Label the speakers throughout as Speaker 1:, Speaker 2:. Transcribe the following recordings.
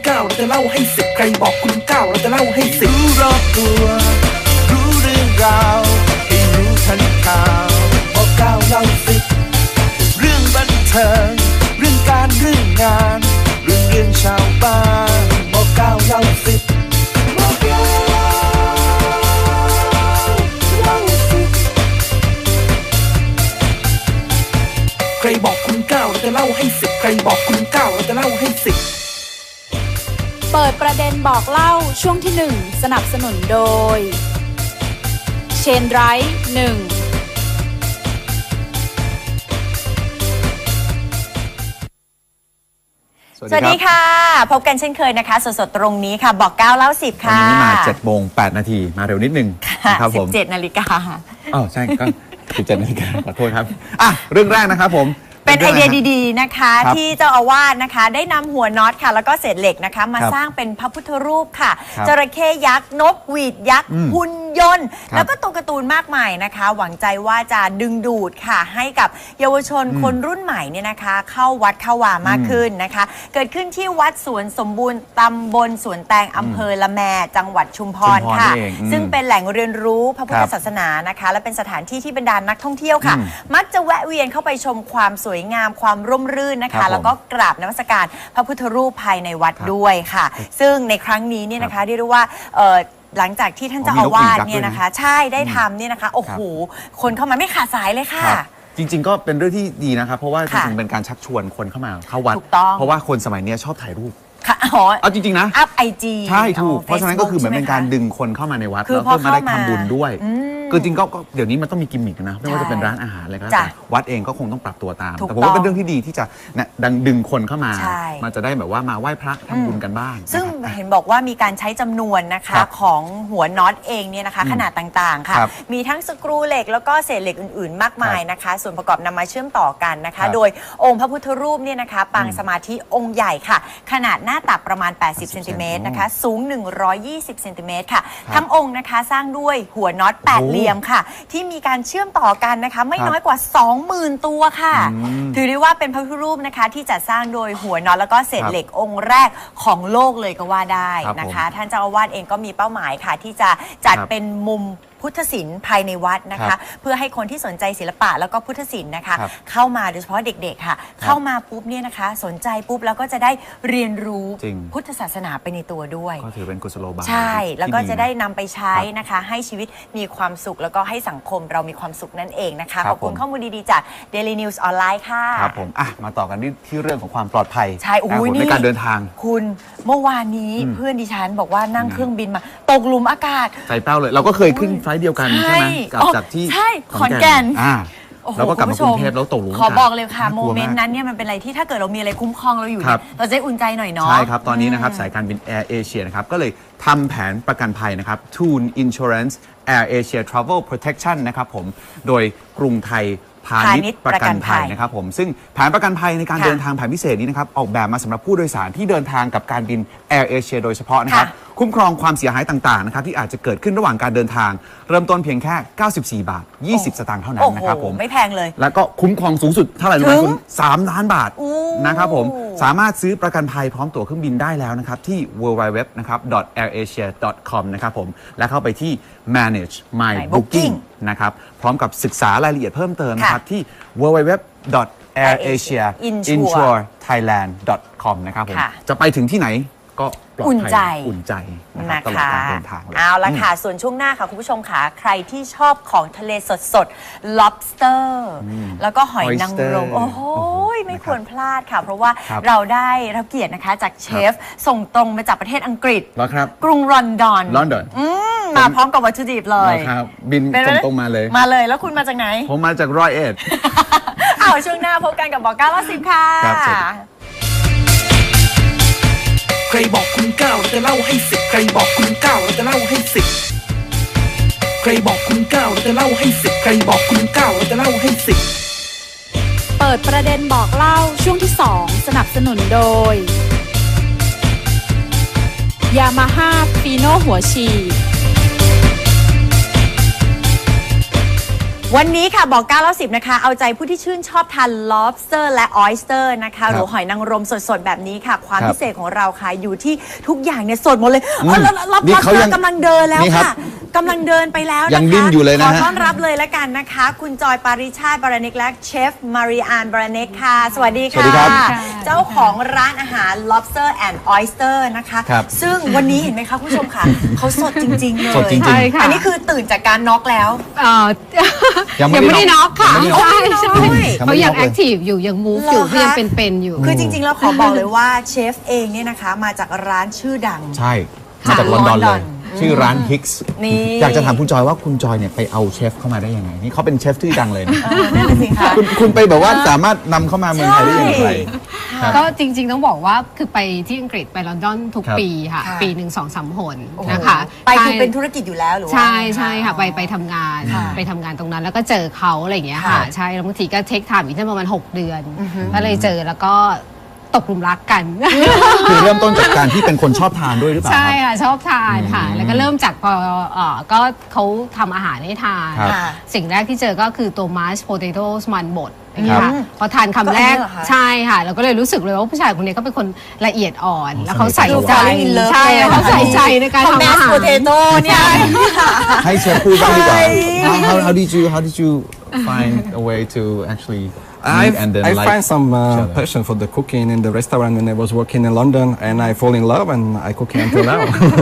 Speaker 1: 9เราจะเล่าให้10ใครบอกคุณ9เราจะเล่าให้10รู้รอบตัวรู้เรื่องราวให้รู้ทันข่าวบอก9เล่า10เรื่องบันเทิงเรื่องการเรื่องงานเรื่องชาวบ้านบอก9เล่า10บอก9เล่า10ใครบอกคุณ9เราจะเล่าให้10ใครบอกคุณ9เราจะเล่าให้10
Speaker 2: เปิดประเด็นบอกเล่าช่วงที่1สนับสนุนโดยเชนไรท์1
Speaker 3: สวัสดีค่ะพบกันเช่นเคยนะคะสดๆตรงนี้ค่ะบอก9เล่า10ค่ะ
Speaker 4: วันนี้มา7:08 น.มาเร็วนิดนึง
Speaker 3: ครับผม17 นาฬิกา
Speaker 4: อ๋อใช่ก็17 นาฬิกาขอโทษครับอ่ะเรื่องแรกนะครับผม
Speaker 3: เป็นไอเดียดีๆนะคะที่เจ้าอาวาสนะคะได้นำหัวน็อตค่ะแล้วก็เศษเหล็กนะคะมาสร้างเป็นพระพุทธรูปค่ะจระเข้ยักษ์นกหวีดยักษ์หุ่นยนต์แล้วก็ตัวการ์ตูนมากมายนะคะหวังใจว่าจะดึงดูดค่ะให้กับเยาวชนคนรุ่นใหม่เนี่ยนะคะเข้าวัดเข้าวามากขึ้นนะคะเกิดขึ้นที่วัดสวนสมบูรณ์ตำบลสวนแตงอำเภอละแมจังหวัดชุมพรค่ะซึ่งเป็นแหล่งเรียนรู้พระพุทธศาสนานะคะและเป็นสถานที่ที่บรรดานักท่องเที่ยวค่ะมักจะแวะเวียนเข้าไปชมความสวยงามความร่มรื่นนะคะแล้วก็กราบนมัสการพระพุทธรูปภายในวัดด้วยค่ะซึ่งในครั้งนี้เนี่ยนะคะเรียกได้ว่าหลังจากที่ท่านเจ้าอาวาสเนี่ยนะคะใช่ได้ทำเนี่ยนะคะโอ้โหคนเข้ามาไม่ขาดสายเลยค่ะ
Speaker 4: จริงๆก็เป็นเรื่องที่ดีนะครับเพราะว่าจริงๆเป็นการชักชวนคนเข้ามาเข้าวัดเพราะว่าคนสมัยนี้ชอบถ่ายรูปเอาจริงๆนะ
Speaker 3: อัพไอจี
Speaker 4: ใช่ถูกเพราะฉะนั้นก็คือเหมือนเป็นการดึงคนเข้ามาในวัดแล้วก็มาได้ทำบุญด้วยคือจริงก็เดี๋ยวนี้มันต้องมีกิมมิคนะไม่ว่าจะเป็นร้านอาหารอะไรก็ตามวัดเองก็คงต้องปรับตัวตามแต่ผมว่าเป็นเรื่องที่ดีที่จะดึงคนเข้ามามันจะได้แบบว่ามาไหว้พระทำบุญกันบ้าง
Speaker 3: ซึ่งเห็นบอกว่ามีการใช้จำนวนนะคะของหัวน็อตเองเนี่ยนะคะขนาดต่างๆค่ะมีทั้งสกรูเหล็กแล้วก็เศษเหล็กอื่นๆมากมายนะคะส่วนประกอบนำมาเชื่อมต่อกันนะคะโดยองค์พระพุทธรูปเนี่ยนะคะปางสมาธิองค์ใหญ่ค่ะขนาดหน้าตักประมาณ80 เซนติเมตรนะคะสูง120 เซนติเมตรค่ะทั้งองค์นะคะสร้างด้วยหัวน็อต8เหลี่ยมค่ะที่มีการเชื่อมต่อกันนะคะไม่น้อยกว่า 20,000 ตัวค่ะถือได้ว่าเป็นพระพุทธรูปนะคะที่จัดสร้างโดยหัวน็อตแล้วก็เศษเหล็กองค์แรกของโลกเลยก็ว่าได้นะคะท่านเจ้าอาวาสเองก็มีเป้าหมายค่ะที่จะจัดเป็นมุมพุทธศิลป์ภายในวัดนะคะเพื่อให้คนที่สนใจศิลปะแล้วก็พุทธศิลป์นะคะเข้ามาโดยเฉพาะเด็กๆค่ะเข้ามาปุ๊บเนี่ยนะคะสนใจปุ๊บแล้วก็จะได้เรียนรู้พุทธศาสนาไปในตัวด้วย
Speaker 4: ก็ถือเป็นกุศโลบาย
Speaker 3: ใช่แล้วก็จะได้นำไปใช้นะคะให้ชีวิตมีความสุขแล้วก็ให้สังคมเรามีความสุขนั่นเองนะคะขอบคุณข้อมูลดีๆจาก Daily News ออนไลน์ค่ะ
Speaker 4: ครับผมมาต่อกันที่เรื่องของความปลอดภัย
Speaker 3: ใช่
Speaker 4: ในการเดินทาง
Speaker 3: คุณเมื่อวานนี้เพื่อนดิฉันบอกว่านั่งเครื่องบินมาตกหลุมอากาศ
Speaker 4: ใจเป้าเลยเราก็เคยขึ้นไฟล์เดียวกันใช่ไหมจากที่
Speaker 3: ขอนแก่น
Speaker 4: แล้วก็กลับมากรุงเทพแล้วตกหลุม
Speaker 3: ขอบอกเลยค่ะโมเมนต์นั้นเนี่ยมันเป็นอะไรที่ถ้าเกิดเรามีอะไรคุ้มครองเราอยู่เนี่ยเราจะได้อุ่นใจหน่อยเนาะ
Speaker 4: ใช่ครับตอนนี้นะครับสายการบิน Air Asia นะครับก็เลยทำแผนประกันภัยนะครับ Toon Insurance Air Asia Travel Protection นะครับผมโดยกรุงไทยพาณิชย์ประกันภัยนะครับผมซึ่งแผนประกันภัยในการเดินทางแผนพิเศษนี้นะครับออกแบบมาสำหรับผู้โดยสารที่เดินทางกับการบิน Air Asia โดยเฉพาะนะครับคุ้มครองความเสียหายต่างๆนะครับที่อาจจะเกิดขึ้นระหว่างการเดินทางเริ่มต้นเพียงแค่94 บาท 20 สตางค์เท่านั้นนะครับผม
Speaker 3: ไม่แพงเลย
Speaker 4: แล้วก็คุ้มครองสูงสุดเท่าไหร่รู้ไหมคุณ3 ล้านบาทนะครับผมสามารถซื้อประกันภัยพร้อมตั๋วเครื่องบินได้แล้วนะครับที่ www.airasia.com นะครับผมและเข้าไปที่ manage my booking นะครับพร้อมกับศึกษารายละเอียดเพิ่มเติมนะครับที่ www.airasia.insurethailand.com นะครับผมจะไปถึงที่ไหนก็ปลอดภัยอุ่นใจนะครับตลอดการเดินทางเลย
Speaker 3: เอาละค่ะส่วนช่วงหน้าค่ะคุณผู้ชมค่ะใครที่ชอบของทะเลสดๆ lobster แล้วก็หอยนางรมโอ้โหไม่ควรพลาดค่ะเพราะว่าเราได้รับเกียรตินะคะจากเชฟส่งตรงมาจากประเทศอังกฤษกรุงลอนดอนมาพร้อมกับวัตถุดิบเลย
Speaker 4: บินตรงมาเลย
Speaker 3: แล้วคุณมาจากไหน
Speaker 4: ผมมาจาก101
Speaker 3: เอาช่วงหน้าพบกันกับบอก9 เล่า 10ค่ะ
Speaker 1: ใครบอกคุณ9เราจะเล่าให้10ใครบอกคุณ9เราจะเล่าให้10ใครบอกคุณ9เราจะเล่าให้10ใครบอกคุณ9เราจะเล่าให้10
Speaker 2: เปิดประเด็นบอกเล่าช่วงที่2สนับสนุนโดย Yamaha Fino หัวฉีด
Speaker 3: วันนี้ค่ะบอก9 แล้ว 10นะคะเอาใจผู้ที่ชื่นชอบทาน lobster และ oyster นะคะหรือหอยนางรมสดๆแบบนี้ค่ะความพิเศษของเราค่ะอยู่ที่ทุกอย่างเนี่ยสดหมดเลยรับ
Speaker 4: นี่เขายัง
Speaker 3: กำลังเดินแล้ว
Speaker 4: นี่ครับ
Speaker 3: ค่ะกำลังเดินไปแล้วนะคะ
Speaker 4: ยังดิ้นอยู่เลยนะ
Speaker 3: ขอ
Speaker 4: ฮะ
Speaker 3: ต้อนรับเลยละกันนะคะ คุณจอยปาริชาติบารเนกและเชฟมาริอานบารเนกค่ะสวัสดี
Speaker 4: สวัสดี
Speaker 3: ค่ะ
Speaker 4: ครับ
Speaker 3: เจ้าของร้านอาหาร lobster and oyster นะคะ
Speaker 4: ครับ
Speaker 3: ซึ่งวันนี้เห็นไหมคะคุณผู้ชมค่ะเขาสดจริงๆเลย
Speaker 4: สดจริงๆ
Speaker 5: ใช่ค่ะ
Speaker 3: อันนี้คือตื่นจากการน็อกแล้ว
Speaker 4: ยังไม่
Speaker 5: ยังไม่ได้
Speaker 4: ได้น็
Speaker 5: น็
Speaker 4: อ
Speaker 5: อก กค่ะ
Speaker 4: ยังไม่ได้น็อก
Speaker 5: ใช่ใช่
Speaker 3: ยังไม่ได้น็อก
Speaker 5: เขายังแอคทีฟอยู่ยังมูฟอยู่
Speaker 3: เหรอคะ
Speaker 5: เขายังเป็นๆอยู่
Speaker 3: คือจริงๆ แล้วขอบอกเลยว่าเชฟเองเนี่ยนะคะมาจากร้านชื่อดัง
Speaker 4: ใช่มาจากลอนดอนเลย ชื่อร้าน Hicks
Speaker 3: นี่
Speaker 4: อยากจะถามคุณจอยว่าคุณจอยเนี่ยไปเอาเชฟเข้ามาได้ยังไง นี่เขาเป็นเชฟที่ดังเลยนะ
Speaker 3: นั่นแหละสิคะ
Speaker 4: คุณไปแบบว่าสามารถนำเข้ามาเมืองไทยได้อย่างไรครับ
Speaker 5: ก็จริงๆต้องบอกว่าคือไปที่อังกฤษไปลอนดอนทุก
Speaker 4: ครับ
Speaker 5: ปีค่ะ
Speaker 3: ค่ะ
Speaker 5: ปีหนึ่ง2-3 หน
Speaker 3: โอ้โห
Speaker 5: นะคะ
Speaker 3: ไปคือ
Speaker 5: ใช่
Speaker 3: เป็นธุรกิจอยู่แล้วหรือว่า
Speaker 5: ใช่ใช่ค่ะไปทำงาน
Speaker 3: ค่ะ
Speaker 5: ไปทำงานตรงนั้นแล้วก็เจอเขาอะไรอย่างเงี้ย
Speaker 3: ค่ะ
Speaker 5: ค่ะใช่แล้วบางทีก็เทคไทม์อีกประมาณ6 เดือนก็เลยเจอแล้วก็ตกหลุมรักกัน
Speaker 4: คือเริ่มต้นจากการที่เป็นคนชอบทานด้วยหรือเปล่า
Speaker 5: ใช่
Speaker 4: ครับ
Speaker 5: ค่ะชอบทานค่ะ แล้วก็เริ่มจากพอก็เขาทำอาหารให้ทาน
Speaker 4: ครับ
Speaker 3: ค่ะ
Speaker 5: สิ่งแรกที่เจอก็คือตัวมาร์ชโพเตโต้มันบดอย่างเงี้ย
Speaker 4: ครั
Speaker 5: ค่ะ
Speaker 4: บ
Speaker 5: พอทานคำแรก
Speaker 3: ก็อันนี้เหรอคะ
Speaker 5: ใช่ค่ะเราก็เลยรู้สึกเลยว่าผู้ชายคนนี้ก็เป็นคนละเอียดอ่อน แล้วเขา
Speaker 4: สนิท
Speaker 5: ใส่ใจ
Speaker 3: Falling in love
Speaker 5: ใช่เขาใส่ใจในการ
Speaker 3: ของ
Speaker 5: ทำ
Speaker 3: แม
Speaker 5: อา
Speaker 3: ส
Speaker 5: หาร
Speaker 3: โพเทโต้เนี่ย
Speaker 4: ให้เชฟพูดบ้างดีกว่า
Speaker 3: ใช่
Speaker 4: how did you find a way to actually meet and then
Speaker 6: I
Speaker 4: like
Speaker 6: find some
Speaker 4: each other?
Speaker 6: passion for the cooking in the restaurant when I was working in London, and I fall in love and I cooking until now.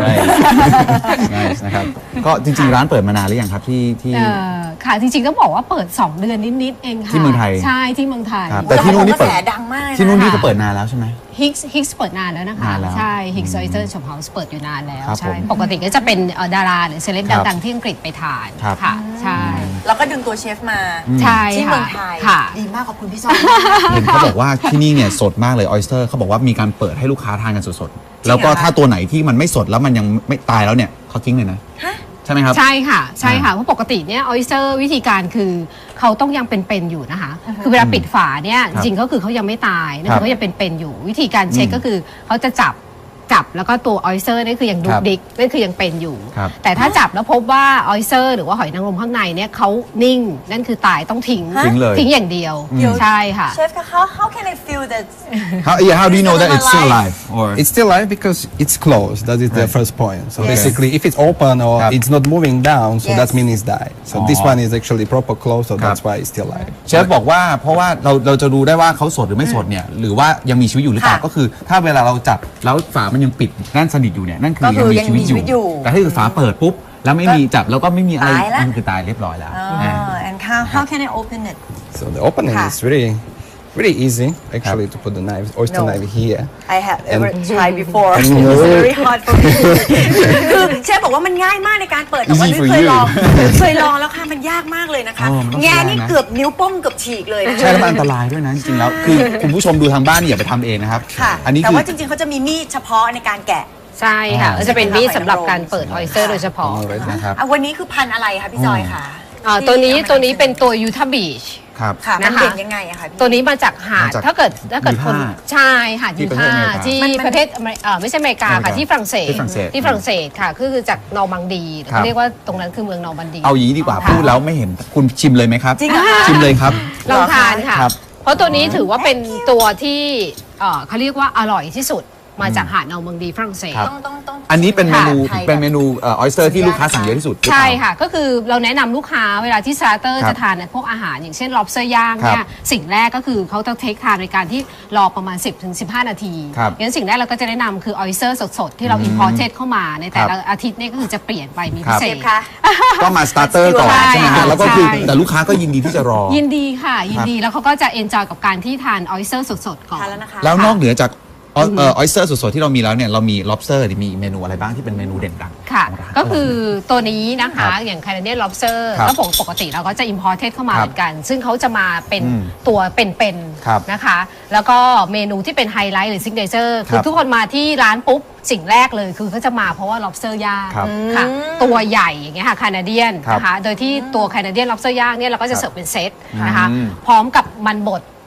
Speaker 4: Nice นะครับก็จริงๆร้านเปิดมานานหรือยังครับที่
Speaker 5: ค่ะจริงๆต้องบอกว่าเปิด 2 เดือนนิดๆเองค่ะ
Speaker 4: ที่เมืองไทย
Speaker 5: ใช่ที่เมืองไทย
Speaker 4: ครับแต่ที่นู่นนี่เปิด
Speaker 3: กระแสดังมากเลยนะ
Speaker 4: ที่นู่นนี่ก็เปิดนานแล้วใช่ไหม
Speaker 5: Hicks เปิดนานแล้วนะคะ
Speaker 4: นานแล้ว
Speaker 5: ใช่ Hicks Oyster Shop House เปิดอยู่นานแล้ว
Speaker 4: ครับ
Speaker 5: ใช่
Speaker 4: ผม
Speaker 5: ปกติก็จะเป็นดาราหรือเซเลบ
Speaker 4: ครับ
Speaker 5: ดังๆที่อังกฤษไปทาน
Speaker 4: ครับ
Speaker 5: ค่ะใช่
Speaker 3: แล้วก็ดึงตัวเชฟมา
Speaker 5: ใช่
Speaker 3: ที่
Speaker 5: ค่ะ
Speaker 3: เมืองไทย
Speaker 5: ค่ะ
Speaker 3: ดีมากขอบคุณพี่ซอย
Speaker 4: เห็นเขาบอกว่าที่นี่เนี่ยสดมากเลยออยสเตอร์เขาบอกว่ามีการเปิดให้ลูกค้าทานกันสดๆ แล้วก็ถ้าตัวไหนที่มันไม่สดแล้วมันยังไม่ตายแล้วเนี่ยเขาทิ้งเลยนะใช่ไหมครับ
Speaker 5: ใช่ค่ะใช่ค่ะเพราะปกติเนี่ยออยสเตอร์วิธีการคือเขาต้องยังเป็นๆอยู่นะคะ คือเวลาปิดฝาเนี่ยจริงๆก็คือเขายังไม่ตายนะ
Speaker 4: ครั
Speaker 5: คะ
Speaker 4: บ
Speaker 5: เขายังเป็นๆอยู่ วิธีการเช็คก็คือเขาจะจับแล้วก็ตัวออยสเตอร์นี่คือยังดุกดิกนั่นคือยังเป็นอยู่
Speaker 4: ครับ
Speaker 5: แต่ถ้าจับแล้วพบว่าออยสเตอร์หรือว่าหอยนางรมข้างในเนี่ยเขานิ่งนั่นคือตายต้องทิ้ง
Speaker 4: ทิ้งเลย
Speaker 5: ทิ้งอย่างเดียวใช่ค่ะ
Speaker 3: เชฟคะ how can I feel that
Speaker 4: how do you know that it's still alive or
Speaker 6: It's still alive because it's closed. That is the
Speaker 4: Right.
Speaker 6: first point. So
Speaker 3: Yes.
Speaker 6: basically, if it's open or
Speaker 4: Yep.
Speaker 6: it's not moving down, so
Speaker 3: Yes.
Speaker 6: that means it's died. So this one is actually proper closed, so that's why it's still alive.
Speaker 4: เชฟบอกว่าเพราะว่าเราจะดูได้ว่าเขาสดหรือไม่สดเนี่ยหรือว่ายังมีชีวิตอยู่หรือเปล่า
Speaker 3: ค่ะ
Speaker 4: ก็คือถ้าเวลาเราจับแล้วฝามันยังปิดแน่นสนิทอยู่เนี่ยนั่นคือ
Speaker 3: ก็คือ
Speaker 4: ยังมีชีวิต
Speaker 3: ยังมีชีวิตอยู่
Speaker 4: แต่ถ้าคือฝาเปิดปุ๊บแล้วไม่มีจับแล้วก็ไม่มีอะไร
Speaker 3: ตายละ
Speaker 4: นั่นคือตายเรียบร้อยแล้วอ่า
Speaker 3: and how can I open it
Speaker 6: So the opening
Speaker 3: Ha.
Speaker 6: is really easy actually to put the knife, oyster
Speaker 3: No.
Speaker 6: knife here.
Speaker 3: I have ever tried before
Speaker 6: And
Speaker 3: it's very hard for me คือเชฟบอกว่ามันง่ายมากในการเปิดแต่ว่า
Speaker 4: Easy
Speaker 3: นุ้ย
Speaker 4: for
Speaker 3: เคย
Speaker 4: you
Speaker 3: ลองเคยลองแล้วค่ะมันยากมากเลยนะคะ
Speaker 4: มันต้อง
Speaker 3: แง่
Speaker 4: ใช้แรงนะ
Speaker 3: นี่เกือบนิ้วโป้งเกือบฉีกเลยนะคะ
Speaker 4: ใช่แล้วมันอันตรายด้วยนะจริงๆแล้วคือคุณผู้ชมดูทางบ้านอย่าไปทำเองนะครับ
Speaker 3: ค่ะ
Speaker 4: อันนี้
Speaker 3: แต่
Speaker 4: คือ
Speaker 3: ว่าจริงๆเขาจะมีมีดเฉพาะในการแกะ
Speaker 5: ใช่ค่ะ
Speaker 4: อ๋อ
Speaker 5: ก็จะเป็นมีดสำหรับการเปิดออยสเตอร์โดยเฉพาะ
Speaker 6: Alright.
Speaker 4: นะครับ
Speaker 3: อ่ะวันนี้คือพันธุ์อะไรคะพี่จอยคะ
Speaker 5: ตัวนี้เป็นตัวยูทาบีช
Speaker 4: ครับ
Speaker 3: ค่ะมัน
Speaker 5: นะคะ
Speaker 3: เด่นยังไงอะคะพี่
Speaker 5: ตัวนี้มาจากหาด
Speaker 4: มาจาก
Speaker 5: ถ้าเกิดคน
Speaker 4: ยูทาห์
Speaker 5: ใช่หาด
Speaker 4: ที่
Speaker 5: ยู
Speaker 4: ประเทศ
Speaker 5: ทา
Speaker 4: อเมริ
Speaker 5: ห์
Speaker 4: กา
Speaker 5: ที่ประเทศไม่ใช่อเมริกา
Speaker 4: อเมริ
Speaker 5: ค่ะ
Speaker 4: กา
Speaker 5: ที่ฝรั่งเศส
Speaker 4: ที่ฝรั่งเศส
Speaker 5: ที่ฝรั่งเศสค่ะคือจากนอร์มังดีหรือ
Speaker 4: ครับ
Speaker 5: เขาเรียกว่าตรงนั้นคือเมืองนอร์มังดี
Speaker 4: เอาอย่างนี้ดีกว่า
Speaker 5: ค่ะ
Speaker 4: พูดแล้วไม่เห็นคุณชิมเลยไหมครับ
Speaker 3: จริงเหรอคะ
Speaker 4: ชิมเลยครับ
Speaker 5: ลองทานค่ะ
Speaker 4: ครับ
Speaker 5: เพราะตัวนี้ถือว่าเป็นตัวที่เขาเรียกว่าอร่อยที่สุดมาจากหาดนอร์มังดีฝรั่งเศส
Speaker 4: ครับ
Speaker 3: ต้อง
Speaker 4: อันนี้เป็นเมนู
Speaker 3: ค่ะ
Speaker 4: เป็นเมนูออยสเตอร์ที่ลูกค้าสั่งเยอะที่สุดหรือเปล่า
Speaker 5: ใช่ค่ะ ก็คือเราแนะนำลูกค้าเวลาที่สตาร์เตอร์
Speaker 4: ครับ
Speaker 5: จะทานพวกอาหารอย่างเช่น lobster ย่างเนี่
Speaker 4: ครั
Speaker 5: ย
Speaker 4: บ
Speaker 5: สิ่งแรกก็คือเขาต้องเทคทานในการที่รอประมาณ 10-15 นาที
Speaker 4: ครับ
Speaker 5: งั้นสิ่งแรกเราก็จะแนะนำคือ oyster สดๆ ที่เรา imported เข้ามาในแต่ละอาทิตย์เนี่ยก็คือจะเปลี่ยนไปมี
Speaker 4: ครั
Speaker 5: พิ
Speaker 4: บ
Speaker 5: เศ
Speaker 3: เช
Speaker 5: ษ
Speaker 3: ฟคะ
Speaker 4: ก็มาสตาร์เตอร์ก่อน
Speaker 5: ใช่
Speaker 4: ใช่ไหมฮะแล้วก็คือ
Speaker 5: ใช่
Speaker 4: แต่ลูกค้าก็ยินดีที่จะรอ
Speaker 5: ยินดีค่ะ ยินดีแล้วเขาก็จะ enjoy กับการที่ทาน oyster สดๆ ก่อน
Speaker 3: ทานแล้วนะคะ
Speaker 4: แล้วนอกเหนือจากออยสเตอร์สดๆที่เรามีแล้วเนี่ยเรามี lobster หรือมีเมนูอะไรบ้างที่เป็นเมนูเด่นดัง
Speaker 5: ค่ะ
Speaker 4: ของร้าน
Speaker 5: ก็คือตัวนี้นะ
Speaker 4: ครั
Speaker 5: คะ
Speaker 4: บ
Speaker 5: อย่าง Canadian lobster
Speaker 4: ครับ
Speaker 5: ก็ปกติเราก็จะ imported เข้ามา
Speaker 4: ครับ
Speaker 5: เหมือนกัน ซึ่งเขาจะมาเป็น
Speaker 4: อืม
Speaker 5: ตัวเป็น
Speaker 4: ครับ
Speaker 5: ๆนะคะ แล้วก็เมนูที่เป็นไฮไลท์หรือ signature
Speaker 4: ค
Speaker 5: คื
Speaker 4: รั
Speaker 5: อบ ทุกคนมาที่ร้านปุ๊บ สิ่งแรกเลยคือเขาจะมาเพราะว่า lobster ย่าง
Speaker 4: ครับ
Speaker 5: ค่ะ ตัวใหญ่อย่างเงี้ยค่ะ Canadian
Speaker 4: ครับ
Speaker 5: นะคะ โดยที่ตัว Canadian lobster ย่างเนี่ยเราก็จะเสิร์ฟเป็นเซตนะคะ
Speaker 4: อืม
Speaker 5: พร้อมกับมันบด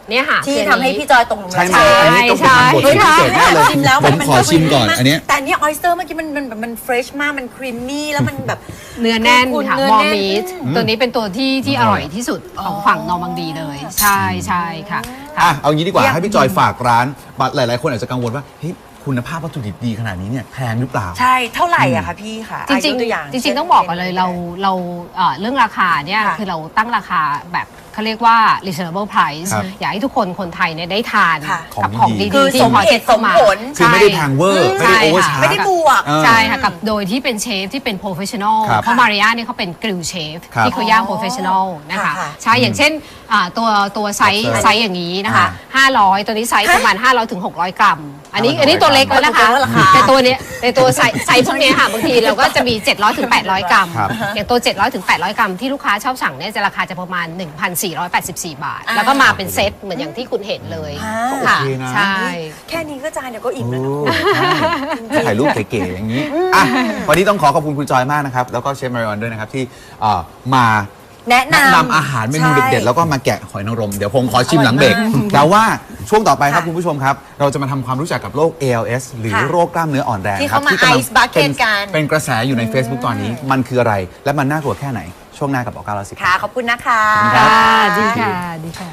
Speaker 5: เนี่ยค่ะ
Speaker 3: ที่
Speaker 5: คือ
Speaker 3: ทำให้พี่จอยตกหลุมรัก
Speaker 4: ใช่ไหมอันนี้ต้องเป็นบทที่พิเศษแน่เลย
Speaker 3: ชิมแล้ว
Speaker 4: ผมขอชิมก่อนอันเนี้ย
Speaker 3: แต่อันเนี้ออยสเตอร์เมื่อกี้มันเฟรชมากมันครีมมี่แล้วมันแบบ
Speaker 5: เนื้อแน่นค่ะ
Speaker 3: เนื้อ
Speaker 5: มอ
Speaker 3: แน่น
Speaker 5: มีทตัวนี้เป็นตัวที่อร่อยที่สุดของฝั่งนอร์มังดีเลย ใช่ใช่ค่ะ
Speaker 4: อ่ะเอางี้ดีกว่าให้พี่จอยฝากร้านหลายๆคนอาจจะกังวลว่าเฮ้ยคุณภาพวัตถุดิบดีขนาดนี้เนี่ยแพงหรือเปล่า
Speaker 3: ใช่เท่าไหร่อะคะพี่ค่ะ
Speaker 5: จริง
Speaker 3: ยกตัวอย่าง
Speaker 5: ๆจริงๆต้องบอกกันเลยเราเรื่องราคาเนี่ย
Speaker 3: ค่ะ
Speaker 5: คือเราตั้งราคาแบบเขาเรียกว่า reasonable price
Speaker 4: ครับ
Speaker 5: อยากให้ทุกคนไทยเนี่ยได้ทาน
Speaker 3: ค่ะ
Speaker 5: กับ
Speaker 4: ข
Speaker 5: ข
Speaker 4: อ
Speaker 5: อง ง
Speaker 4: ดี
Speaker 5: ดี
Speaker 3: คือ
Speaker 5: ๆที่
Speaker 3: สม
Speaker 5: พอ
Speaker 3: เห
Speaker 5: จะ
Speaker 3: ตุส
Speaker 5: เข้าม มา
Speaker 3: ผล
Speaker 4: คือไม่ได้แพงเวอร์ไม่ได้โอเวอร์ชาร์จ
Speaker 3: ไม่ได้บวก
Speaker 5: ใช่ค่ะกับโดยที่เป็นเชฟที่เป็น professional
Speaker 4: ครับ
Speaker 5: เพราะมาริยาเนี่ยเขาเป็นกริลเชฟ
Speaker 4: ครับ
Speaker 5: ที่เขาย่าง professional นะคะ
Speaker 3: ค่ะ
Speaker 5: ใช่อย่างเช่นตัวไซส์อย่างนี้นะคะ 500 ตัวนี้ไซส์ประมาณ 500 ถึง 600 กรัม อันนี้ตัวเล็กแล้วนะคะ แต่ตัวเนี้ยในตัวไซส์พวกเนี้ยค่ะบางทีเราก็จะมี 700 ถึง 800 กรัม
Speaker 4: ครับ
Speaker 5: อย่างตัว 700 ถึง 800 กรัมที่ลูกค้าชอบสั่งเนี่ยจะราคาจะประมาณ 1,484 บาท แล้วก็มาเป็นเซตเหมือนอย่างที่คุณเห็นเลย
Speaker 3: อ่า
Speaker 5: ค่ะ
Speaker 4: โอเคนะ
Speaker 5: ใช่
Speaker 3: แค่นี้ก็จานเดี๋ยวก็อิ่มแล้วนะ
Speaker 4: ถ่ายรูปเก๋ๆอย่างนี้อ่ะวันนี้ต้องขอบคุณคุณจอยมากนะครับ แล้วก็เชฟมาริออนด้วยนะครับที่มา
Speaker 3: แนะนำ
Speaker 4: อาหารเมนูเด็ดๆ แล้วก็มาแกะหอยนางรม เดี๋ยวผมขอชิมหลังเบรก แต่ว่าช่วงต่อไปครับ
Speaker 3: ค่ะ
Speaker 4: คุณผู้ชมครับ เราจะมาทำความรู้จักกับโรค ALS หรือ
Speaker 3: ค่ะ
Speaker 4: โรคกล้ามเนื้ออ่อนแรง
Speaker 3: ที่
Speaker 4: ครับ
Speaker 3: เขามา
Speaker 4: กำลัง
Speaker 3: Ice Bucket กัน
Speaker 4: เป็นกระแสอยู่ใน Facebook ตอนนี้ มันคืออะไร และมันน่ากลัวแค่ไหน ช่วงหน้ากับบอก910
Speaker 3: ค่ะ ขอบคุณนะคะ
Speaker 5: ค่ะดีค่ะดีค่ะ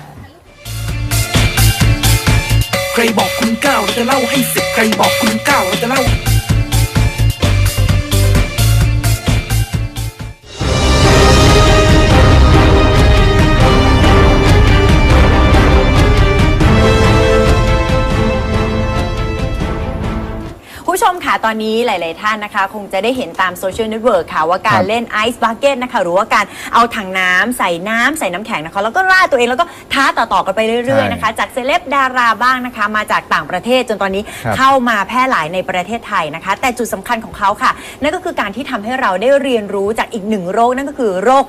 Speaker 1: ใครบอกคุณเก้าเราจะเล่าให้สิบใครบอกคุณเก้าเราจะเล่า
Speaker 3: ผู้ชมค่ะตอนนี้หลาย ๆ ท่านนะคะ คงจะได้เห็นตามโซเชียลเน็ตเวิร์กค่ะว่าการเล่นไอซ์บักเก็ตนะคะหรือว่าการเอาถังน้ำใส่น้ำแข็งนะคะแล้วก็ราดตัวเองแล้วก็ท้าต่อ ๆ กันไปเรื่อย ๆ นะคะ จากเซเลบดาราบ้างนะคะ มาจากต่างประเทศจนตอนนี้
Speaker 4: ครับ
Speaker 3: เข้ามาแพร่หลายในประเทศไทยนะคะ แต่จุดสำคัญของเขาค่ะ นั่นก็คือการที่ทำให้เราได้เรียนรู้จากอีกหนึ่งโรคนั่นก็คือโรค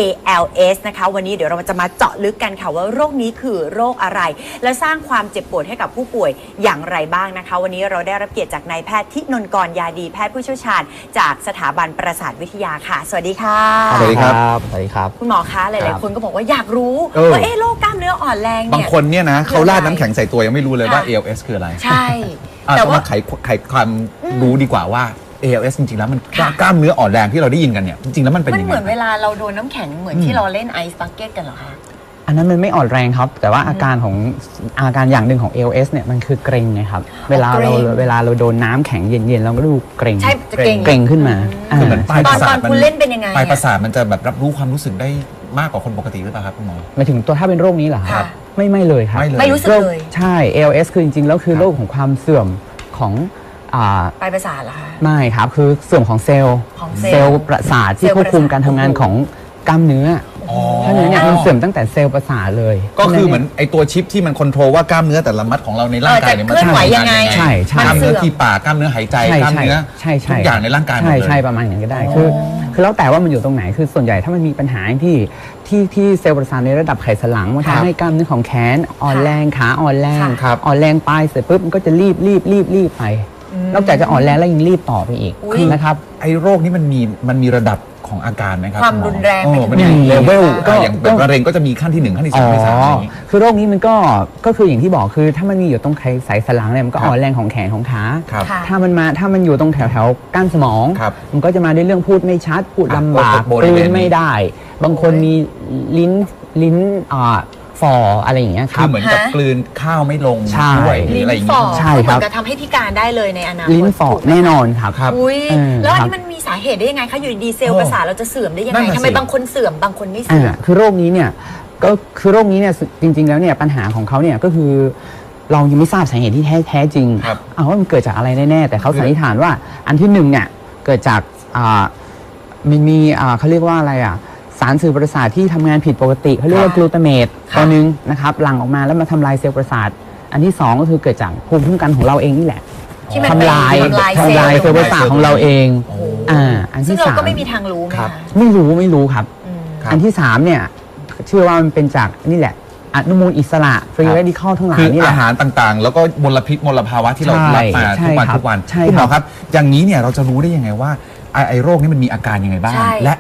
Speaker 3: ALS นะคะวันนี้เดี๋ยวเราจะมาเจาะลึกกันค่ะว่าโรคนี้คือโรคอะไร และสร้างความเจ็บปวดให้กับผู้ป่วยอย่างไรบ้างนะคะ วันนี้เราได้รับเกียรติจากนายแพทย์ทินนท์กรยาดีแพทย์ผู้เชี่ยวชาญจากสถาบันประสาทวิทยาค่ะ สวัสดีค่ะ
Speaker 4: สวัสดีครับ
Speaker 7: สวัสดีครับ
Speaker 3: คุณหมอคะหลายๆคนก็บอกว่าอยากรู้
Speaker 4: เออ
Speaker 3: ว่าโรคกล้ามเนื้ออ่อนแรง
Speaker 4: บาง
Speaker 3: เนี่ย
Speaker 4: คนเนี่ยนะเขาราดน้ำแข็งใส่ตัวยังไม่รู้เลยว่า ALS คืออะไร
Speaker 3: ใช่
Speaker 4: อ่ะ
Speaker 3: แต่
Speaker 4: ต้อง
Speaker 3: ว่า
Speaker 4: มาไขความรู้ดีกว่าว่า ALS จริงๆแล้วมันกล้ามเนื้ออ่อนแรงที่เราได้ยินกันเนี่ยจริงๆแล้วมันเป็น
Speaker 3: มัน
Speaker 4: ยัง
Speaker 3: เห
Speaker 4: ไง
Speaker 3: มือนเวลาเราโดนน้ำแข็งเหมือนที่เราเล่นไอซ์บักเก็ตกันเหรอคะ
Speaker 7: อันนั้นมันไม่อ่อนแรงครับ แต่ว่าอาการอย่างหนึ่งของ ALS เนี่ยมันคือเกร็งนะครับเวลาเราโดนน้ำแข็งเย็นๆเราก็ดูเกร็ง
Speaker 3: ใช่จะเกร็ง
Speaker 7: เกร็งขึ้นมา
Speaker 4: คือเหมือนปลาย
Speaker 3: ต
Speaker 4: ป
Speaker 3: อน
Speaker 4: ระสาท
Speaker 3: คุณเล่นเป็นยังไง
Speaker 4: ปลายประ
Speaker 3: อะ
Speaker 4: สาทมันจะแบบรับรู้ความรู้สึกได้มากกว่าคนปกติหรือเปล่าครับคุณหมอ
Speaker 7: หมายถึงตัวถ้าเป็นโรคนี้เหรอค
Speaker 3: ค่ะ
Speaker 7: รับไม่เลยครับ
Speaker 4: ไม่เลย
Speaker 3: ไม่รู้สึกเลย
Speaker 7: ใช่ ALS คือจริงๆแล้วคือโรคของความเสื่อมของอ่า
Speaker 3: ปลายประสาทเหรอคะ
Speaker 7: ไม่ครับคือเสื่อมของเซลล์
Speaker 3: ของเซลล์
Speaker 7: ประสาทที่
Speaker 3: เซลล์
Speaker 7: ควบคุม
Speaker 3: ประสาท
Speaker 7: การทำงานของกล้ามเนื้อ
Speaker 4: อ๋อ
Speaker 7: เพราะฉะนั้นเนี่ยมันเสื่อมตั้งแต่เซลล์ประสาทเลย
Speaker 4: ก็คือเหมือนไอตัวชิปที่มันคอนโทรลว่ากล้ามเนื้อแต่ละมัดของเราในร่างกายเนี่ยมัน
Speaker 3: จะเคลื่อนไหวยังไง
Speaker 7: ใช่ใช่
Speaker 4: กล้ามเนื้อที่ปากกล้ามเนื้อหายใจกล้ามเนื้อ
Speaker 7: ใช่
Speaker 4: ทุกอย่างในร่างกายหมด
Speaker 7: ใช่
Speaker 4: เลย
Speaker 7: ใช่ประมาณอย่างนั้นก็ได้คือแล้วแต่ว่ามันอยู่ตรงไหนคือส่วนใหญ่ถ้ามันมีปัญหาที่เซลล์ประสาทในระดับไขสันหลังมัน
Speaker 4: ครับ
Speaker 7: ทำให้กล้ามเนื้อของแขนอ่อนแรงขาอ่อนแรง
Speaker 4: ครับ
Speaker 7: อ่อนแรงไปเสร็จปุ๊บมันก็จะรีบไป นอกจากจะอ่อนแรงแล้วยังรีบต่อไปอีก
Speaker 3: อุ๊ย
Speaker 7: นะครับ
Speaker 4: ไอโรคนี้มันมีระดับของอาการไหมครับ
Speaker 3: ความ
Speaker 4: ณหอ
Speaker 3: รุนแรง
Speaker 4: โอ้
Speaker 3: ไปถึง
Speaker 4: มันมี
Speaker 7: ไหน
Speaker 4: เลเวล
Speaker 7: ก็
Speaker 4: อย่างแบบมะเร็งก็จะมีขั้นที่1ขั้นที่2ขั้นที่3อะไรอย่างงี้
Speaker 7: คือโรคนี้มันก็คืออย่างที่บอกคือถ้ามันมีอยู่ตรงไขสันหลังเนี่ยมันก็
Speaker 4: ครับ
Speaker 7: อ่อนแรงของแขนของขา
Speaker 4: ครับ
Speaker 3: ค่ะ
Speaker 7: ถ้ามันอยู่ตรงแถวก้านสมอง
Speaker 4: ครับ
Speaker 7: มันก็จะมาด้วยเรื่องพูดไม่ชัดพูด
Speaker 4: ครับ
Speaker 7: ลำบาก
Speaker 4: บ
Speaker 7: ก
Speaker 4: ริ
Speaker 7: ลื
Speaker 4: เวณ
Speaker 7: น
Speaker 4: นี้
Speaker 7: ไม่ได้ บางคนมีลิ้นฝ่ออะไรอย่างเงี้ยค
Speaker 4: คื
Speaker 7: รั
Speaker 4: อบ เหมือนกับกลืนข้าวไม่ลง
Speaker 7: ใช่
Speaker 4: ด้วยหรือ
Speaker 3: ลิ้
Speaker 4: อะไร
Speaker 3: น
Speaker 4: อย่าง
Speaker 3: ฝ่อ
Speaker 4: งี้
Speaker 7: ใช่
Speaker 3: คือเห
Speaker 7: ครั
Speaker 3: มื
Speaker 7: บ
Speaker 3: อนกับทำให้พิการได้เลยในอนาคต
Speaker 7: ลิ้นฝ่อ
Speaker 3: ถูกไหม
Speaker 7: แน่นอนครับ
Speaker 4: ครับ
Speaker 3: อุ้ย
Speaker 7: เออ
Speaker 3: แล้วอัน
Speaker 7: ครับ
Speaker 3: นี้มันมีสาเหตุได้ยังไงคะอยู่ดีๆเซลล์ประสาทเราจะเสื่อมได้ยัง
Speaker 4: นั่
Speaker 3: ไง
Speaker 4: นน่ะ
Speaker 3: ทำไม
Speaker 4: สิ
Speaker 3: บางคนเสื่อมบางคนไม่เสื่อม
Speaker 7: คือโรคนี้เนี่ยก็คือโรคนี้เนี่ยจริง ๆ แล้วเนี่ยปัญหาของเขาเนี่ยก็คือเรายังไม่ทราบสาเหตุที่แท้จริง
Speaker 4: ครับ
Speaker 7: ว่ามันเกิดจากอะไรแน่ๆแต่เขาสันนิษฐานว่าอันที่หนึ่งเนี่ยเกิดจากมันมีเขาเรียกว่าอะไรสารสื่อประสาทที่ทำงานผิดปกติเขาเรียกว่ากลูตาเมตตัวหนึงนะครับหลั่งออกมาแล้วมาทำลายเซลล์ประสาทอันที่สองก็คือเกิดจากภูมิคุ้มกันของเราเองนี่แหละ
Speaker 3: ที่มัน
Speaker 7: ทำลาย
Speaker 3: ทำลาย
Speaker 7: ทำลาย
Speaker 3: เซ
Speaker 7: เซ
Speaker 3: ล
Speaker 7: ล
Speaker 3: ล์
Speaker 7: ล์ประสาทของเราเองอัน
Speaker 3: ซึ่ง
Speaker 7: ที่
Speaker 3: เรา
Speaker 7: สาม
Speaker 3: ก็ไม่มีทางรู้ไหม
Speaker 4: ครั
Speaker 3: คะ
Speaker 4: บ
Speaker 7: ไม่รู้ครับ
Speaker 4: ครับ
Speaker 7: อันที่สามเนี่ยเชื่อว่ามันเป็นจากนี่แหละอนุมูลอิสระฟรี
Speaker 4: ครับ
Speaker 7: เรดิคอลทั้งหลา
Speaker 4: คื
Speaker 7: ย
Speaker 4: อ
Speaker 7: นี่แห
Speaker 4: อา
Speaker 7: ละ
Speaker 4: หารต่างๆ แล้วก็มลพิษมลภาวะที่เรา
Speaker 7: ใช่
Speaker 4: รับมา
Speaker 7: ใช่
Speaker 4: ทุกวัน
Speaker 7: ครับใช่
Speaker 4: คุณหมอ
Speaker 7: ครับ
Speaker 4: ครับ อย่างนี้เนี่ยเราจะรู้ได้ยังไงว่าไอโรคนี้มันมีอาการยังไงบ้าง
Speaker 3: ใช่
Speaker 4: และ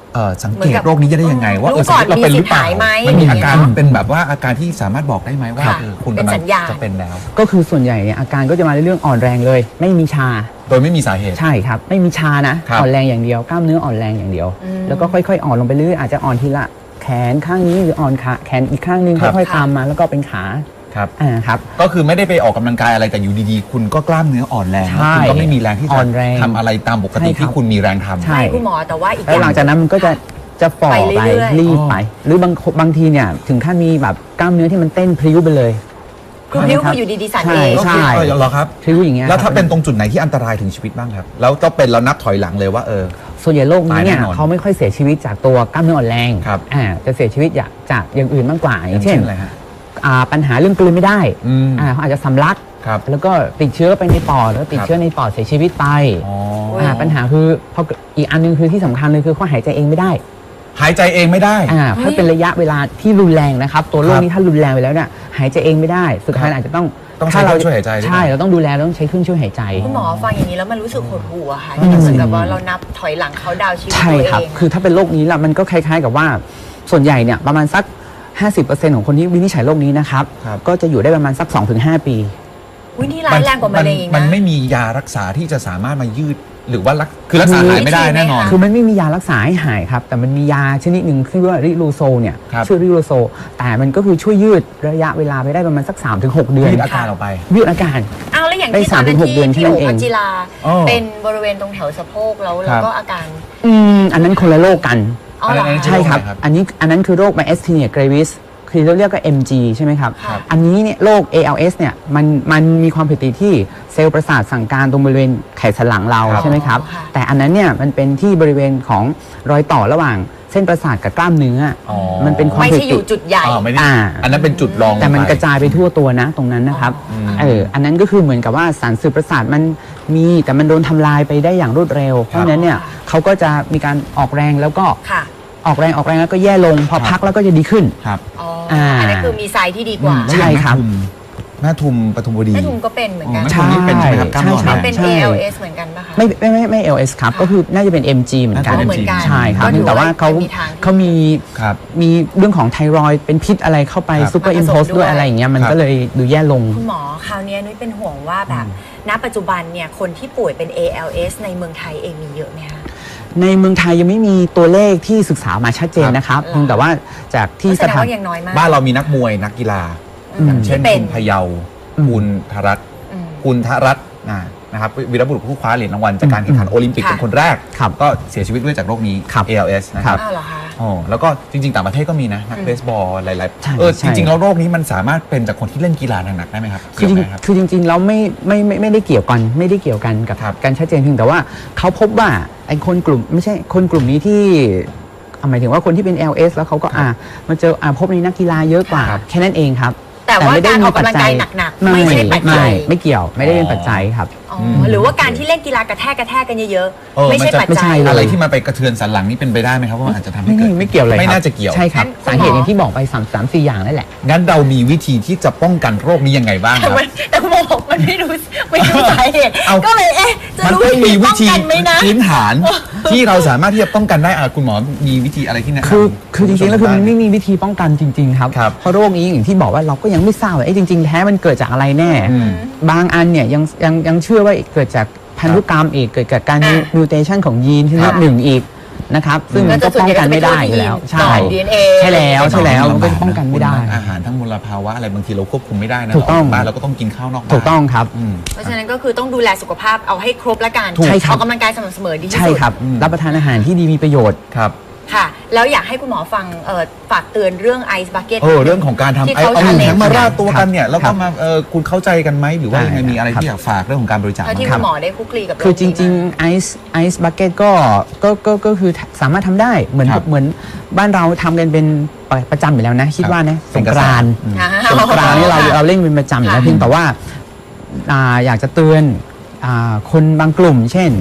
Speaker 4: สังเกตโรคนี้จะได้ยังไงว่า
Speaker 3: รู้ก่อน
Speaker 4: เราเป็นหรือเปล่า
Speaker 3: มีสิทธิ์หายไหม
Speaker 4: มันมีอาการเป็นแบบว่าอาการที่สามารถบอกได้ไหมว่าคุณ
Speaker 3: เป็น
Speaker 4: กำลั
Speaker 3: สั
Speaker 4: ง
Speaker 3: ญญาณ
Speaker 4: จะเป็นแล้ว
Speaker 7: ก็คือส่วนใหญ่เนี่ยอาการก็จะมาในเรื่องอ่อนแรงเลย ไม่มีชา
Speaker 4: โดยไม่มีสาเหตุ
Speaker 7: ใช่ครับ ไม่มีชานะ
Speaker 4: ครับ
Speaker 7: อ่อนแรงอย่างเดียวกล้ามเนื้ออ่อนแรงอย่างเดียว แล้วก็ค่อยๆอ่อนลงไปเรื่อยอาจจะอ่อนทีละแขนข้างนี้หรืออ่อนขาแขนอีกข้างนึงค่อยๆตามมาแล้วก็เป็นขา
Speaker 4: ครับ
Speaker 7: ครับ
Speaker 4: ก็คือไม่ได้ไปออกกำลังกายอะไรแต่อยู่ดีๆ คุณก็กล้ามเนื้ออ่อนแรง
Speaker 7: ใช่
Speaker 4: คุณก็ไม่มีแรงที่
Speaker 7: อ่
Speaker 4: จะ
Speaker 7: อนแรง
Speaker 4: ทำอะไรตามปกติ
Speaker 7: ใช่ครับ
Speaker 4: ที่คุณมีแรงทำ
Speaker 7: ใช่
Speaker 3: ใช่คุณหมอแต่ว่าอีกอ
Speaker 7: แล้ว
Speaker 3: ย่าง
Speaker 7: หลังจากนั้นมันก็จะฝ่อ
Speaker 3: ไป
Speaker 7: ไป
Speaker 3: เรื่อยๆ
Speaker 7: รีบไป หรือบางทีเนี่ยถึงขั้นมีแบบกล้ามเนื้อที่มันเต้นพลิ้วไปเลย
Speaker 3: คือนิ้วคืออยู่ดีๆสั่นเอง
Speaker 7: ใช่
Speaker 4: เหรอครับ
Speaker 7: พลิ้วอย่างเงี้ย
Speaker 4: แล้วถ้า
Speaker 7: ครับ
Speaker 4: เป็นตรงจุดไหนที่อันตรายถึงชีวิตบ้างครับ แล้วก็เป็นแล้วนับถอยหลังเลยว่า
Speaker 7: ส่วนใหญ่โรคนี้เนี่ย
Speaker 4: ตายแน่นอน
Speaker 7: เขาไม่ค่อยเสียชีวิตจากตัวกล้ามเนื้ออ่อนแรง
Speaker 4: ครับ
Speaker 7: จะเสียชีวิตจากอย่างอื่นมากกว่าอย่างเช่น
Speaker 4: อะไรฮะ
Speaker 7: ปัญหาเรื่องกลืนไม่ได้
Speaker 4: อืม
Speaker 7: เขาอาจจะสำลัก
Speaker 4: ครับ
Speaker 7: แล้วก็ติดเชื้อไปในปอดแล้วติด
Speaker 4: ครับ
Speaker 7: เชื้อในปอดเสียชีวิตไป
Speaker 4: อ๋อ
Speaker 7: ปัญหาคือพออีกอันนึงคือที่สำคัญเลยคือเขาหายใจเองไม่ได้
Speaker 4: หายใจเองไม่ได้
Speaker 7: เพราะเป็นระยะเวลาที่รุนแรงนะครับตัวโรคนี้ถ้ารุนแรงไปแล้วเนี่ยหายใจเองไม่ได้ สุดท้ายอาจจะต้อง
Speaker 4: ใช้เครื่องช่วยหายใจด้วย
Speaker 7: ใช่เราต้องดูแลเราต้องใช้เครื่องช่วยหายใจ
Speaker 3: คุณหมอฟังอย่างนี้แล้วมันรู้สึกหดหู่อะค่ะที่เหมือนกับว่าเรานับถอยหลังเขาดาวน์ชีวิต
Speaker 7: ใช่
Speaker 3: ตัว
Speaker 7: ครับ
Speaker 3: เอง
Speaker 7: คือถ้าเป็นโรคนี้ละมันก็คล้ายๆกับว่าส่วนใหญ่เนี่ยประมาณสัก 50% ของคนที่วินิจฉัยโรคนี้นะครับ
Speaker 4: ครับ
Speaker 7: ก็จะอยู่ได้ประมาณสัก 2-5 ปี
Speaker 3: อุ้ยนี่ร้ายแรงกว่ามะเร็งอีก
Speaker 4: มัน
Speaker 3: นะ
Speaker 4: ไม่มียารักษาที่จะสามารถมายืดหรือว่าคือรักษาหายไม่ได้แน่นอน
Speaker 7: คือมันไม่มียารักษาให้หายครับ แต่มันมียาชนิดหนึ่งที่เรียกว่าริลูโซเนี่ย
Speaker 4: ครับ
Speaker 7: ชื่อริลูโซแต่มันก็คือช่วยยืดระยะเวลาไปได้ประมาณสัก 3-6 เดือน
Speaker 4: ยืดอาการออกไป
Speaker 7: ยืดอาการ
Speaker 3: เอาแล้วอย่าง
Speaker 7: ได้
Speaker 3: ที่ตอนนั้น
Speaker 7: 3-6 เดือน
Speaker 3: ที่
Speaker 7: แค่นั้
Speaker 3: โอน
Speaker 7: เอง
Speaker 3: พัจิรา
Speaker 4: อ๋อ
Speaker 3: เป็นบริเวณตรงแถวสะโพกแล้ว
Speaker 4: ครับ
Speaker 3: ก็อาการ
Speaker 7: อันนั้นคนละโรคกัน
Speaker 3: อ๋อเหรอ
Speaker 4: อะไรนะ
Speaker 3: คะ
Speaker 7: ใช่ครับ
Speaker 4: โรคอะไรครับ
Speaker 7: อันนั้นคือโรค myasthenia gravis คือเราเรียกว่า MG ใช่ไหมครับ
Speaker 3: ครับ
Speaker 7: อันนี้เนี่ยโรค ALS เนี่ยมันมีความผิดปกติที่เซลล์ประสาทสั่งการตรงบริเวณไขสันหลังเรา
Speaker 4: ครับ
Speaker 7: ใช่ไหมครับ
Speaker 3: ค่ะ
Speaker 7: แต่อันนั้นเนี่ยมันเป็นที่บริเวณของรอยต่อระหว่างเส้นประสาทกับกล้ามเนื้ออ
Speaker 4: อ
Speaker 7: มันเป็นความ
Speaker 3: ไม่
Speaker 7: ผิด
Speaker 3: ใช่
Speaker 7: ป
Speaker 3: อก ยู่
Speaker 7: ติ
Speaker 3: จุดใหญ่
Speaker 4: ไม่ได้
Speaker 7: อ่า
Speaker 4: อันนั้นเป็นจุดรอง
Speaker 7: แต่มัน
Speaker 4: ลงไป
Speaker 7: กระจายไปทั่วตัวนะตรงนั้นนะครับอันนั้นก็คือเหมือนกับว่าสารสื่อประสาทมันมีแต่มันโดนทำลายไปได้อย่างรวดเร็ว เพราะฉะนั้นเนี่ยเขาก็จะมีการออกแรงแล้วก็
Speaker 3: ค่ะ
Speaker 7: ออกแรงแล้วก็แย่ลงพอพักแล้วก็จะดีขึ้น
Speaker 4: ครับ
Speaker 3: อ๋ออันนั้นคือมีไซส์ที่ดีกว่า
Speaker 7: ใช่ครับ
Speaker 4: แม่ทุมปทุมวดี
Speaker 3: แม่ทุมก็เป็นเหมือนกัน
Speaker 4: แม่ทุมนี่เป็นใช่ไหมครับกล้ามเนื้ออ่อนแรง
Speaker 3: เป็น
Speaker 7: ใช่
Speaker 3: ALS เหมือนกันปะคะ
Speaker 7: ไม่ LS ครับ ก็คือน่าจะเป็น MG เหมือนกัน
Speaker 4: น่าจะ
Speaker 3: เหมือนกัน
Speaker 7: ใช่ครับ
Speaker 3: ก็ถือ
Speaker 7: แต่ว่าเขา
Speaker 3: ว่ามีทาง
Speaker 7: เขามี
Speaker 4: ครับ
Speaker 7: มีเรื่องของไทรอยด์เป็นพิษอะไรเข้าไป
Speaker 4: ครับ
Speaker 7: ซูเปอร์อิมโพส
Speaker 3: มาผสมด้วย
Speaker 7: ด้วยอะไรอย่างเงี้ยมัน
Speaker 4: ครับ
Speaker 7: ก็เลยดูแย่ลง
Speaker 3: คุณหมอคราวนี้นุ้ยเป็นห่วงว่าแบบณปัจจุบันเนี่ยคนที่ป่วยเป็น ALS ในเมืองไทยเองมีเยอะไหมคะ
Speaker 7: ในเมืองไทยยังไม่มีตัวเลขที่ศึกษามาชัดเจนนะครับ
Speaker 3: ครับ
Speaker 7: เพียงแต่ว่าจากที่
Speaker 3: แส
Speaker 7: ส
Speaker 3: ดง
Speaker 7: ถาน
Speaker 3: ว่ายังน้อยมาก
Speaker 4: บ้านเรามีนักมวยนักกีฬา อย่างเช่น
Speaker 3: ที่เป็น
Speaker 4: คุณพะเยา
Speaker 7: อืม
Speaker 4: คุณธรัตน์
Speaker 3: อืม
Speaker 4: คุณธรัตน์นะครับวีรบุรุษผู้คว้าเหรียญรางวัลจากการแข่งขันโอลิมปิก
Speaker 3: ค่ะ
Speaker 4: เป็นคนแรก
Speaker 7: ครับ
Speaker 4: ก็เสียชีวิตด้วยจากโรคนี้
Speaker 7: ครับ
Speaker 4: ALS นะครับ
Speaker 3: อ้าวเหรอคะ
Speaker 4: อ๋อแล้วก็จริง ๆ ต่างประเทศก็มีนะนักเบสบอลหลาย
Speaker 7: ใช่
Speaker 4: ๆ
Speaker 7: ใช่
Speaker 4: จริง ๆ แล้วโรคนี้มันสามารถเป็นจากคนที่เล่นกีฬาหนักๆได้ไหมครับ
Speaker 7: คือ
Speaker 4: เกี่ยวไหมครับ
Speaker 7: จริงๆแล้วไม่ได้เกี่ยวกันกับ
Speaker 4: ครับ
Speaker 7: การชัดเจนเพียงแต่ว่าเขาพบว่าไอ้คนกลุ่มไม่ใช่คนกลุ่มนี้ที่หมายถึงว่าคนที่เป็น LS แล้วเขาก็มาเจอพบในนักกีฬาเยอะกว่า
Speaker 4: ครับ
Speaker 7: แค่นั้นเองครับ
Speaker 3: แต่ว่า
Speaker 7: ไม่ได้
Speaker 3: การอ
Speaker 7: มี
Speaker 3: อก
Speaker 7: ปัจ
Speaker 3: กำลัง
Speaker 7: จั
Speaker 3: กาย ยหนักๆไม่ใช่ปัจจัย
Speaker 7: ไม่เกี่ยวไม่ได้เป็นปัจจัยครับ
Speaker 3: อ๋อหรือว่าการที่เล่นกีฬากระแทกกันเยอะ
Speaker 4: เออ
Speaker 3: ๆ ไม่ใช่
Speaker 4: มันจะ
Speaker 3: ปัจ
Speaker 7: ไม่
Speaker 3: จั
Speaker 7: ใช่
Speaker 3: ย
Speaker 7: เลย
Speaker 4: อะไรที่มาไปกระเทือนสันหลังนี่เป็นไปได้ไหมครับว่ามันอาจจะทำให้
Speaker 7: ไม่
Speaker 4: เกิด
Speaker 7: ไม่เกี่ยวเลย
Speaker 4: ไม่
Speaker 7: ครับ
Speaker 4: น่าจะเกี่ยว
Speaker 7: ใช่ครับ
Speaker 3: งั้น
Speaker 7: สาเหตุอย่างที่บอกไป3-4 อย่างนั่นแหละ
Speaker 4: งั้นเรามีวิธีที่จะป้องกันโรคนี้ยังไงบ้างครับ
Speaker 3: แต่คุณหมอบอกมันไม่รู้สาเหตุ
Speaker 4: เอา
Speaker 3: ก็เลยจะ
Speaker 4: มัน
Speaker 3: รู้
Speaker 4: ต้องมีวิ
Speaker 3: ป้อง
Speaker 4: ธี
Speaker 3: กันไหมนะ
Speaker 4: พื้นฐานที่เราสามารถที่จะป้องกันได้คุณหมอมีวิธีอะไรที่แนะนำ
Speaker 7: คือจริงๆแล้วคือมันไม่มีวิธีป้องกันจริงๆครับ
Speaker 4: ครับ
Speaker 7: เพราะโรคนี้อย่างที่บอกว่าเราก็ยังไม่ทราบว่าจริงๆแท้มันเกิดจากอะไรแน่ บางอันเนี่ยยังเชื่อว่าเกิดจากพันธุกรรมอีกเกิดจากการมิวเทชันของยีนชนิดหนึ่งอีกนะครับซึ่งมันก็ป้องกันไม่ได้อยู่แล้วใช่
Speaker 3: DNA
Speaker 7: ใช่แล้วมันก็ป้องกันไม่ได้
Speaker 4: อาหารทั้งมลภาวะอะไรบางทีเราควบคุมไม่ได้นะ
Speaker 7: ถูกต้อง
Speaker 4: บ้านเราก็ต้องกินข้าวนอกบ้าน
Speaker 7: ถูกต้องครับ
Speaker 3: เพราะฉะนั้นก็คือต้องดูแลสุขภาพเอาให้ครบละกัน
Speaker 7: ถูกใช่ครับ
Speaker 3: ออกกำลังกายสม่ำเสมอดีที่สุด
Speaker 7: ใช่ครับ รับประทานอาหารที่ดีมีประโยชน์
Speaker 4: ครับ
Speaker 3: ค่ะ แล้วอยากให้คุณหมอฟังฝากเตือนเรื่องไอซ์บักเก็ต
Speaker 4: เรื่องของการทำ
Speaker 3: ที่
Speaker 4: เอา
Speaker 3: เขา
Speaker 4: หนึ่ง
Speaker 3: challenge
Speaker 4: แข็งมาราดตัวกันเนี่ย
Speaker 7: ครับ
Speaker 4: แล้วก็มาคุณเข้าใจกันไหมหรือว่ายังไงมีอะไร
Speaker 7: ครับ
Speaker 4: ที่อยากฝากเรื่องของการบริจาค
Speaker 3: เท่าที่
Speaker 4: บ้าง
Speaker 3: คุณหมอได้คลุกคลีกับ
Speaker 7: คือจริงๆไอซ์บักเก็ตก็คือสามารถทำได้เหมือนบ้านเราทำกันเป็นประจำอยู่แล้วนะ คิดว่านะสงกรานต์ สงกรานต์นี่เราเล่นเป็นประจำอยู่แล้วเพียงแต่ว่าอยากจะเตือนคนบางกลุ่ม เช่นโรค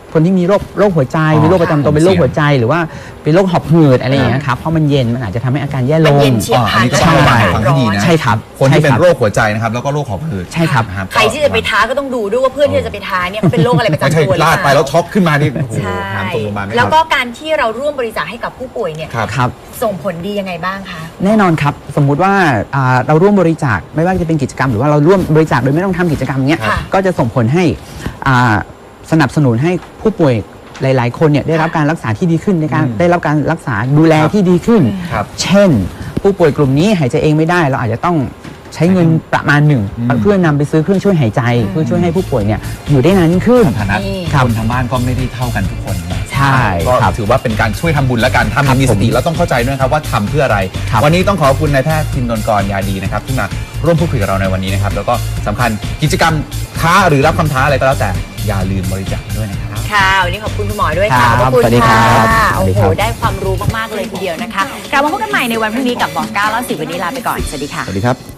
Speaker 7: คนที่มีโรคหัวใจมีโรคประจำตัวเป็นโรคหัวใจหรือว่าเป็นโรคหอบหืดอะไรอย่างเงี้ยครับเพราะมันเย็นมันอาจจะทำให้อาการแย่ล
Speaker 3: มัน
Speaker 7: ง
Speaker 3: เย็นเฉียบพลัน
Speaker 4: อันนี้ก็ต้องระบายฟังให้ดีนะ
Speaker 7: ใช่ครับ
Speaker 4: คนที่เป็น
Speaker 7: ใช่ครับ
Speaker 4: โรคหัวใจนะครับแล้วก็โรคหอบหืด
Speaker 7: ใช่ครับ
Speaker 4: นะ
Speaker 3: ใครที่จะไปท้าก็ต้องดูด้วยว่าเพื่อนที่จะไปท้าเนี่ยเขาเป็นโรคอะไรประ
Speaker 4: ไม่
Speaker 3: จำ
Speaker 4: ใช่
Speaker 3: ตัวหรือเป
Speaker 4: ลา
Speaker 3: ล่า
Speaker 4: ดไปแล้วช็อกขึ้นมานี่โอ้โห
Speaker 3: ใช่
Speaker 4: หามส่งโรงพยาบาลไม่
Speaker 3: แล้ว
Speaker 4: ทัน
Speaker 3: ก็การที่เราร่วมบริจาคให้กับผู้ป่วยเนี่ย
Speaker 4: ครับ
Speaker 7: ครับ
Speaker 3: ส่งผลดียังไงบ้างคะ
Speaker 7: แน่นอนครับสมมุติว่าเราร่วมบริจาคไม่ว่าจะเป็นกิจกรรมหรือว่าเราร่วมบริจาคโดยไม่ต้องทำกิจกรรมเนี้ย
Speaker 3: ค่ะ
Speaker 7: ก็จะส่งผลให้สนับสนุนให้ผู้ป่วยหลาย ๆ คนเนี่ยได้รับการรักษาที่ดีขึ้นในการได้รับการรักษาดูแลที่ดีขึ้น
Speaker 4: ครับ
Speaker 7: เช่น ผู้ป่วยกลุ่มนี้หายใจเองไม่ได้เราอาจจะต้องใช้เงินประมาณหนึ่งเพื่อนำไปซื้อเครื่องช่วยหายใจ เพื่อช่วยให้ผู้ป่วยเนี่ยอยู่ได้นานยิ่งขึ้น
Speaker 4: ฐานะ
Speaker 3: นี่
Speaker 4: คนทางบ้านก็ไม่ได้เท่ากันทุกคนนะ
Speaker 7: ใช่
Speaker 4: ก็
Speaker 7: ครับ
Speaker 4: ถือว่าเป็นการช่วยทำบุญแล้วกันถ้ามีสติแล้วต้องเข้าใจด้วยครับว่าทำเพื่ออะไร
Speaker 7: ครับ
Speaker 4: วันนี้ต้องขอบคุณนายแพทย์ทินนนกรยาดีนะครับที่มาร่วมพูดคุยกับเราในวันนี้นะครับแล้วก็สำคัญกิจกรรมท้าหรือรับคำท้าอะไรก็แล้วแต่อย่าลืมบริจาคด้วยนะครับ
Speaker 3: ค่ะวันนี้ขอบคุณคุณหมอด้วยค่ะ
Speaker 7: ครับ
Speaker 3: ขอบคุณ
Speaker 7: สวัสดีครั
Speaker 3: ค่ะ
Speaker 7: บ
Speaker 3: โอ้
Speaker 7: สวัสดี
Speaker 3: โห
Speaker 7: ครับ
Speaker 3: ได้ความรู้มากๆเลยทีเดียวนะคะกลับมาพบกันใหม่ในวันพรุ่งนี้กับบอก9 แล้ว10วันนี้ลาไปก่อนสวัสดีค่ะ
Speaker 4: สวัสดีครับ